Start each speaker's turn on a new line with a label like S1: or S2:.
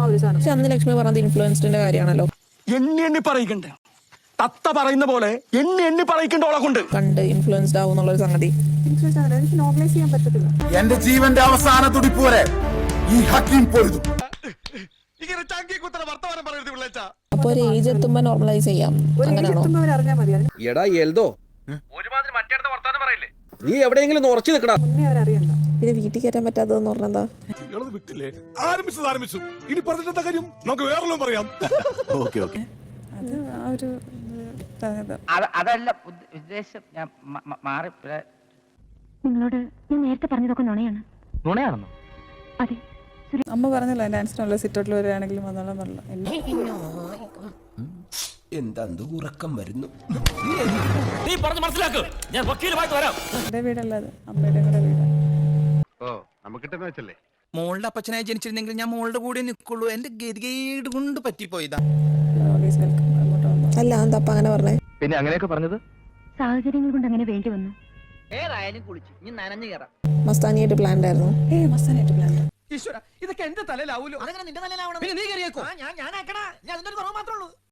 S1: ഒരു സാധനം.
S2: പക്ഷെ അന്ന് ലക്ഷ്മി പറഞ്ഞത് ഇൻഫ്ലുവൻസിന്റെ കാര്യമാണല്ലോ.
S3: എണ്ണി പറയിക്കണ്ടേ തത്ത പറയുന്ന പോലെ എണ്ണി പറയിക്കണ്ട ഓളെ കൊണ്ട്
S2: കണ്ട് ഇൻഫ്ലുവൻസ്ഡ് ആവും എന്നുള്ളൊരു സംഗതി
S1: എനിക്ക് നോർമലൈസ് ചെയ്യാൻ പറ്റത്തില്ല.
S4: എന്റെ ജീവന്റെ അവസാന തുടിപ്പ് വരെ ഈ ഹക്കീം പൊരുതും.
S2: അപ്പൊ ഒരു ഏജ് എത്തുമ്പോ നോർമലൈസ് ചെയ്യാം, അങ്ങനെയാണോ?
S1: അവരറിഞ്ഞാൽ മതി. അതിന്
S5: എടാ എൽദോ, നീ എവിടെയെങ്കിലും ഉറച്ചു നിൽക്കടാ.
S1: മുന്നേ അവരറിയണ്ട.
S2: ഇത് വീട്ടിൽ കയറ്റാൻ പറ്റാത്തതെന്ന് പറഞ്ഞാ
S4: ആരംഭിച്ചു ഇനി പറഞ്ഞിട്ടെന്താ കാര്യം, നമുക്ക് വേറെ പറയാം. ഓക്കെ ഓക്കെ,
S1: അത് ആ ഒരു
S6: അതല്ല ഉദ്ദേശം. ഞാൻ മാറി
S7: നിങ്ങളോട് ഞാൻ നേരത്തെ പറഞ്ഞതൊക്കെ നുണയാണ്.
S6: നുണയാണെന്നോ?
S7: അതെ.
S1: അമ്മ പറഞ്ഞല്ലോ ഡാൻസിനുള്ള സിറ്റൗട്ടിൽ വരികയാണെങ്കിലും വന്നോളാം പറഞ്ഞു.
S4: എന്താ ഉറക്കം വരുന്നു.
S1: എന്റെ വീടല്ല അത്, അമ്മയുടെ കൂടെ വീട്.
S8: മോളുടെ അപ്പച്ചനായി ജനിച്ചിരുന്നെങ്കിൽ ഞാൻ മോളുടെ കൂടെ നിൽക്കുള്ളൂ. എന്റെ ഗതികേട് കൊണ്ട് പറ്റിപ്പോയതാ.
S1: Always welcome. അങ്ങോട്ട് വന്നോ.
S2: അല്ല എന്താ അപ്പൊ അങ്ങനെ പറഞ്ഞേ?
S6: പിന്നെ അങ്ങനെയൊക്കെ പറഞ്ഞത്
S7: സാഹചര്യങ്ങൾ കൊണ്ട് അങ്ങനെ വേണ്ടി വന്നു.
S6: ഏതായാലും കുളിച്ചു ഇനി നനഞ്ഞു കയറാം.
S2: മസ്താനിയായിട്ട് പ്ലാൻഡ് ആയിരുന്നു.
S1: മസ്താനായിട്ട് പ്ലാൻ.
S8: ഈശ്വര, ഇതൊക്കെ എന്റെ തലയിലാവൂലോ? അതെങ്ങനെ നിന്റെ തലയിലാവണം? നീ കയറിയേക്കോ? ഞാൻ അതിന്റെ കുറവ് മാത്രമേ ഉള്ളൂ.